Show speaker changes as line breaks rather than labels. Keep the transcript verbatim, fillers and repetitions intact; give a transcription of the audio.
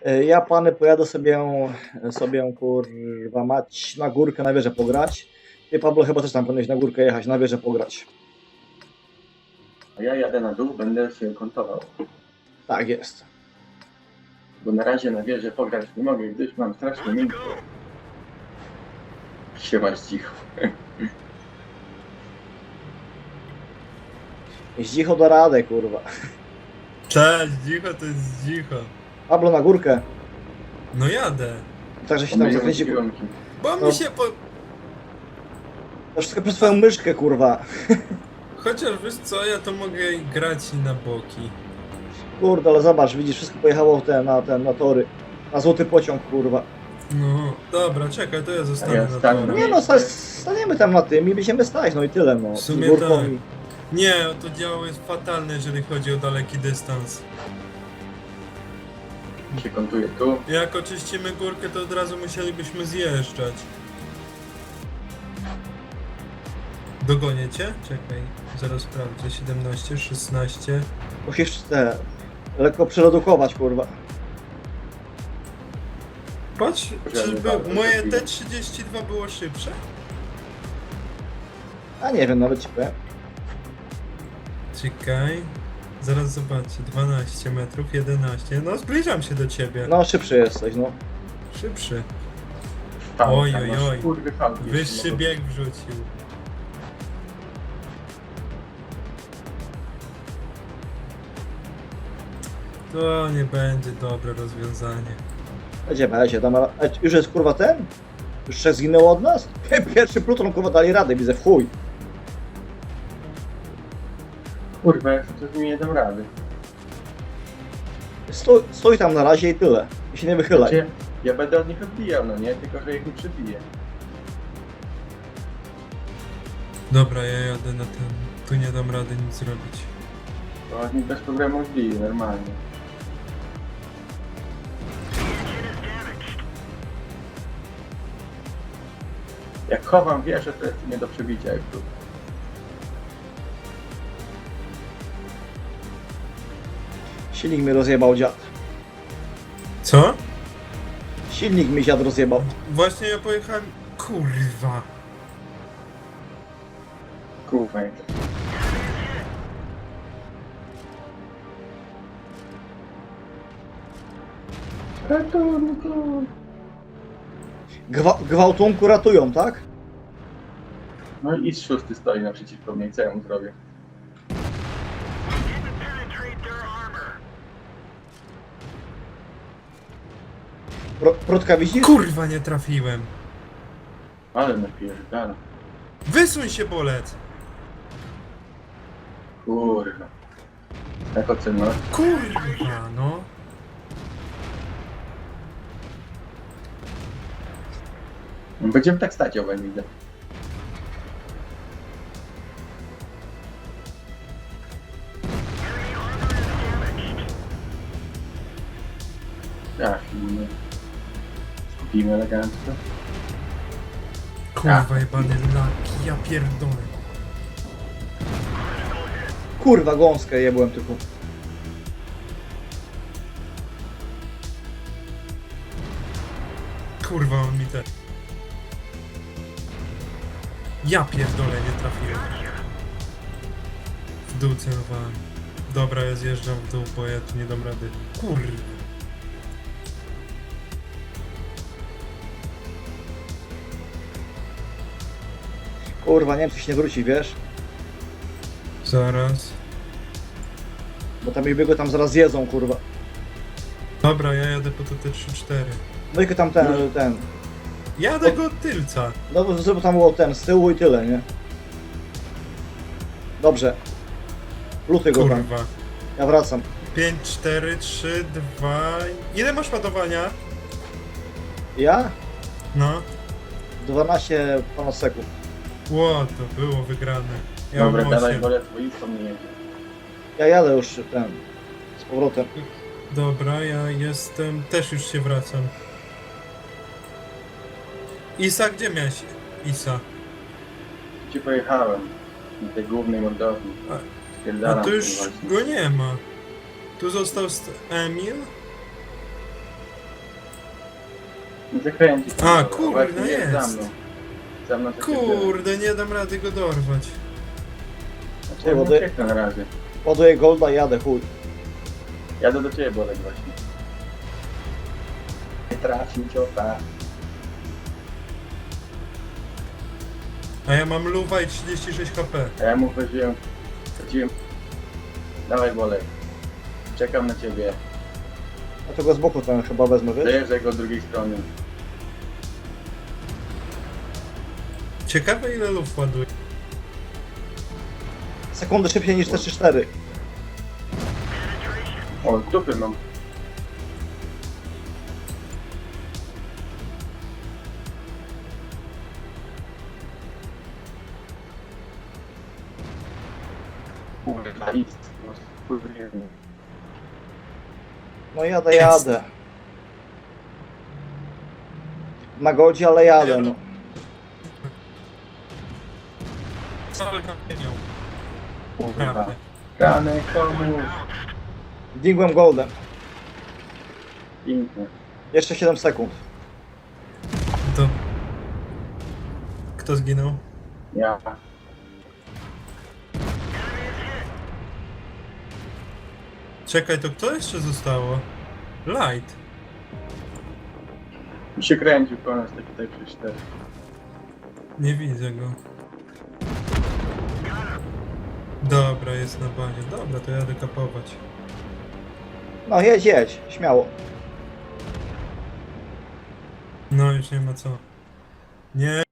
E, Ja pany pojadę sobie, sobie kurwa mać na górkę na wieżę pograć. Ty Pablo chyba też tam powinieneś na górkę jechać, na wieżę pograć.
A ja jadę na dół, będę się kątował.
Tak jest.
Bo na razie na wieżę pograć nie mogę, gdyż mam strasznie miękko. Siema cicho.
Zdzicho do radę, kurwa.
Cześć, dzicho to jest dzicho.
Pablo na górkę.
No jadę.
Także się tam zakręci. kurwa.
kierunki.
Bo
No.
mi się po...
To wszystko przez twoją myszkę, kurwa.
Chociaż wiesz co, ja to mogę grać i na boki.
Kurde, ale zobacz, widzisz, wszystko pojechało w te, na ten, na tory. Na złoty pociąg, kurwa.
No, dobra, czekaj, to ja zostanę
A ja
na
stanę
torze.
na
Nie no, sta- staniemy tam na tym i będziemy stać, no i tyle, no.
W sumie
Z górką
tak.
i-
Nie, to działo jest fatalne, jeżeli chodzi o daleki dystans.
Się kątuję tu.
Jak oczyścimy górkę, to od razu musielibyśmy zjeżdżać. Dogonię cię? Czekaj, zaraz sprawdzę. siedemnaście, szesnaście.
Musisz te lekko przeredukować, kurwa.
Patrz, czy
Żeby
by,
bardzo
moje
chwilę.
T trzydzieści dwa było szybsze?
A nie wiem, nawet ci powiem.
Czekaj. Zaraz zobaczę. dwanaście metrów, jedenaście. No zbliżam się do ciebie.
No, szybszy jesteś, no.
Szybszy.
Tam,
Oj,
tam
oj,
masz,
oj.
Kurwy fałki.
Wyższy bieg wrzucił. To nie będzie dobre rozwiązanie.
Będzie, będzie, tam, a już jest kurwa ten? Już trzech zginęło od nas? Pierwszy pluton, kurwa, dali radę, widzę, w chuj.
Kurwa, jak to z nimi nie dam rady.
Stój, stój tam na razie i tyle. I się nie wychylaj.
Znaczy, ja będę od nich odbijał, no nie? Tylko, że ich nie przebiję.
Dobra, ja jadę na ten. Tu nie dam rady nic zrobić.
To od nich bez problemu odbiję, normalnie. Jak chowam wieżę, to jest nie do przebicia jak tu.
Silnik mi rozjebał dziad.
Co?
Silnik mi dziad rozjebał.
Właśnie ja pojechałem. Kurwa.
Kurwa, jak ratunku.
Gwa gwałtunku ratują, tak?
No i szósty stoi naprzeciwko mnie, co ja mu zrobię?
Pro Protka widzisz?
Kurwa, nie trafiłem.
Ale napierdala.
Wysuń się, bolec.
Kurwa. Jak oceniasz?
Kurwa, no.
Będziemy tak stać, obaj widzę. Trafimy. Skupimy elegancko.
Kurwa, jebany laki, ja pierdolę.
Kurwa, gąskę jebłem tylko.
Kurwa, on mi te... Ja pierdolę, nie trafiłem. W dół celowałem. Dobra, ja zjeżdżam w dół, bo ja tu nie dam rady. Kurwa.
Kurwa, nie wiem, czy się nie wróci, wiesz?
Zaraz.
Bo tam ich biegły tam zaraz zjedzą, kurwa.
Dobra, ja jadę po to T trzydzieści cztery.
No i tam ten, ten.
Jadę go od tylca.
No, żeby tam było ten, z tyłu i tyle, nie? Dobrze. Luty go tam.
Kurwa.
Ja wracam.
pięć, cztery, trzy, dwa... Ile masz ładowania?
Ja?
No.
dwanaście ponad sekund.
Ło, to było wygrane. Ja
Dobra,
mam
dawaj,
osiem.
wolę swoistą nie jedzie.
Ja jadę już ten. Z powrotem.
Dobra, ja jestem... Też już się wracam. Isa, gdzie miałeś? Isa.
Gdzie pojechałem? Na tej głównej mordowni.
A-
Spierdalam
A tu już
tym właśnie.
go nie ma. Tu został st- Emil.
Zakręcić.
A,
No,
kurde,
właśnie
jest.
Za mną. Za mną to się dzieje.
Kurde, nie dam rady go dorwać.
Znaczy, ja nie
Wody-
ucieknę na razie.
Ładuję golda i jadę, chuj.
Jadę do ciebie, Bolek, właśnie. Nie trafił ciota.
A ja mam luwa i trzydzieści sześć H P.
A ja mu chodziłem. Chodziłem. Dawaj, Bolek. Czekam na ciebie.
Ja to go z boku ten chyba wezmę, wiesz?
Dojeżdżaj go od drugiej strony.
Ciekawe ile luf ładuje.
Sekundy szybciej niż te trzy cztery.
O, dupy mam. Kurwa, idź. Kurwa.
No jadę, jadę. Na goldzie, ale jadę, no.
Cały kamienią.
Kurwa.
Prawda.
Kanek, komu?
Dingłem goldem.
Pięknie.
Jeszcze siedem sekund.
To... Kto zginął?
Ja.
Czekaj, to kto jeszcze zostało? Light.
Mi się kręcił po nas taki tutaj przy cztery.
Nie widzę go. Dobra, jest na bazie. Dobra, to jadę kapować.
No jedź, jedź, śmiało.
No już nie ma co. Nie,